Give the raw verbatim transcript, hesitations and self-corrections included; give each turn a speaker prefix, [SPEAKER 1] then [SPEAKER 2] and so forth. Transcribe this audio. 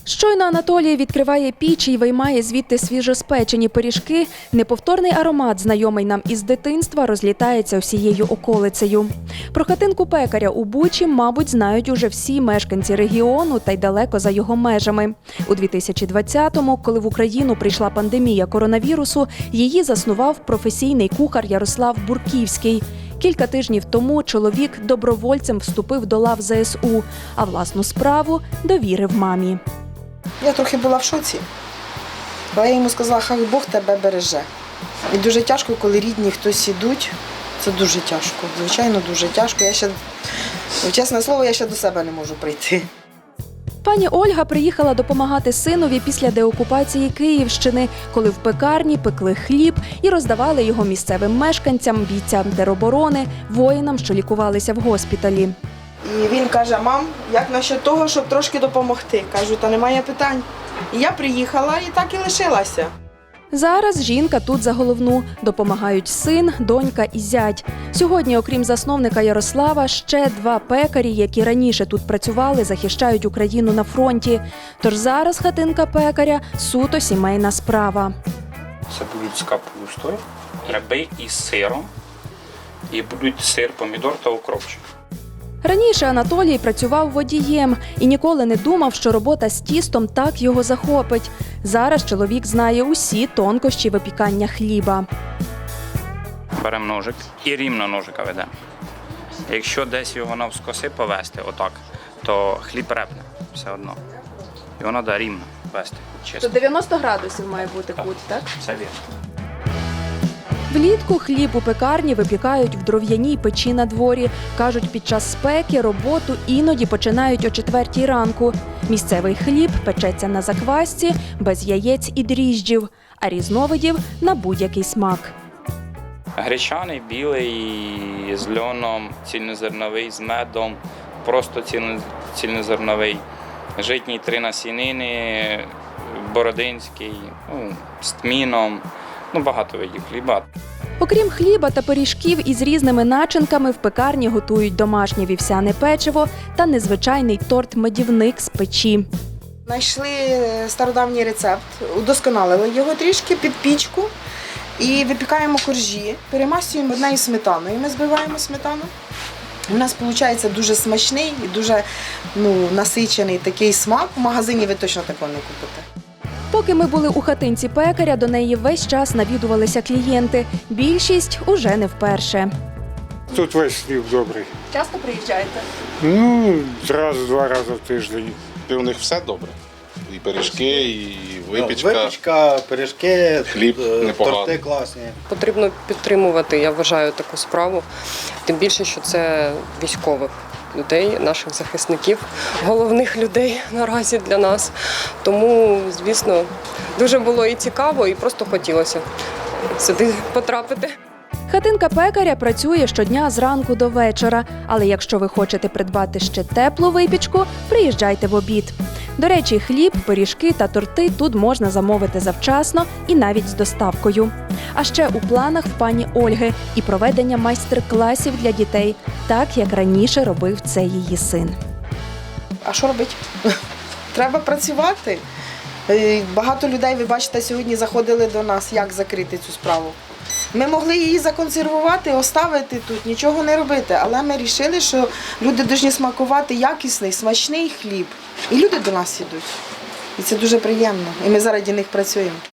[SPEAKER 1] Щойно Анатолій відкриває піч і виймає звідти свіжоспечені пиріжки, неповторний аромат, знайомий нам із дитинства, розлітається всією околицею. Про хатинку пекаря у Бучі, мабуть, знають уже всі мешканці регіону та й далеко за його межами. У дві тисячі двадцятому, коли в Україну прийшла пандемія коронавірусу, її заснував професійний кухар Ярослав Бурківський. Кілька тижнів тому чоловік добровольцем вступив до лав зе ес у, а власну справу довірив мамі.
[SPEAKER 2] Я трохи була в шоці, бо я йому сказала, хай Бог тебе береже. І дуже тяжко, коли рідні хтось ідуть, це дуже тяжко, звичайно, дуже тяжко. Я ще, чесне слово, я ще до себе не можу прийти.
[SPEAKER 1] Пані Ольга приїхала допомагати синові після деокупації Київщини, коли в пекарні пекли хліб і роздавали його місцевим мешканцям, бійцям тероборони, воїнам, що лікувалися в госпіталі.
[SPEAKER 2] І він каже, мам, як насчет того, щоб трошки допомогти? Кажу, та немає питань. І я приїхала і так і лишилася.
[SPEAKER 1] Зараз жінка тут за головну. Допомагають син, донька і зять. Сьогодні, окрім засновника Ярослава, ще два пекарі, які раніше тут працювали, захищають Україну на фронті. Тож зараз хатинка пекаря – суто сімейна справа.
[SPEAKER 3] Це будуть з капустою, гриби із сиром, і будуть сир, помідор та укропчик.
[SPEAKER 1] Раніше Анатолій працював водієм і ніколи не думав, що робота з тістом так його захопить. Зараз чоловік знає усі тонкощі випікання хліба.
[SPEAKER 3] Беремо ножик і рівно ножика ведемо. Якщо десь його навскоси повести, отак, то хліб репне все одно. Його треба рівно вести, чисто.
[SPEAKER 1] дев'яносто градусів має бути кут, так?
[SPEAKER 3] Це вірно.
[SPEAKER 1] Влітку хліб у пекарні випікають в дров'яній печі на дворі. Кажуть, під час спеки роботу іноді починають о четвертій ранку. Місцевий хліб печеться на заквасці, без яєць і дріжджів, а різновидів – на будь-який смак.
[SPEAKER 3] Гречаний, білий, з льоном, цільнозерновий, з медом, просто цільнозерновий, житній три насінини, бородинський, ну, з тміном, ну, багато видів хліба.
[SPEAKER 1] Окрім хліба та пиріжків із різними начинками, в пекарні готують домашнє вівсяне печиво та незвичайний торт-медівник з печі.
[SPEAKER 2] Знайшли стародавній рецепт, удосконалили його трішки під пічку і випікаємо коржі, перемащуємо однею сметаною. Ми збиваємо сметану. У нас виходить дуже смачний і дуже ну, насичений такий смак. В магазині ви точно такого не купите.
[SPEAKER 1] Поки ми були у хатинці пекаря, до неї весь час навідувалися клієнти. Більшість уже не вперше.
[SPEAKER 4] Тут весь хліб добрий.
[SPEAKER 1] Часто приїжджаєте?
[SPEAKER 4] Ну, раз-два рази в тиждень.
[SPEAKER 5] І у них все добре. І пиріжки, і випічка.
[SPEAKER 6] Випічка, пиріжки,
[SPEAKER 5] Хліб непоганий.
[SPEAKER 6] торти класні.
[SPEAKER 7] Потрібно підтримувати, я вважаю, таку справу. Тим більше, що це військових людей, наших захисників, головних людей наразі для нас. Тому, звісно, дуже було і цікаво, і просто хотілося сюди потрапити.
[SPEAKER 1] Хатинка пекаря працює щодня зранку до вечора, але якщо ви хочете придбати ще теплу випічку, приїжджайте в обід. До речі, хліб, пиріжки та торти тут можна замовити завчасно і навіть з доставкою. А ще у планах в пані Ольги і проведення майстер-класів для дітей, так як раніше робив це її син.
[SPEAKER 2] А що робити? Треба працювати. Багато людей, ви бачите, сьогодні заходили до нас, як закрити цю справу. Ми могли її законсервувати, оставити тут, нічого не робити, але ми вирішили, що люди повинні смакувати якісний, смачний хліб. І люди до нас йдуть. І це дуже приємно. І ми заради них працюємо.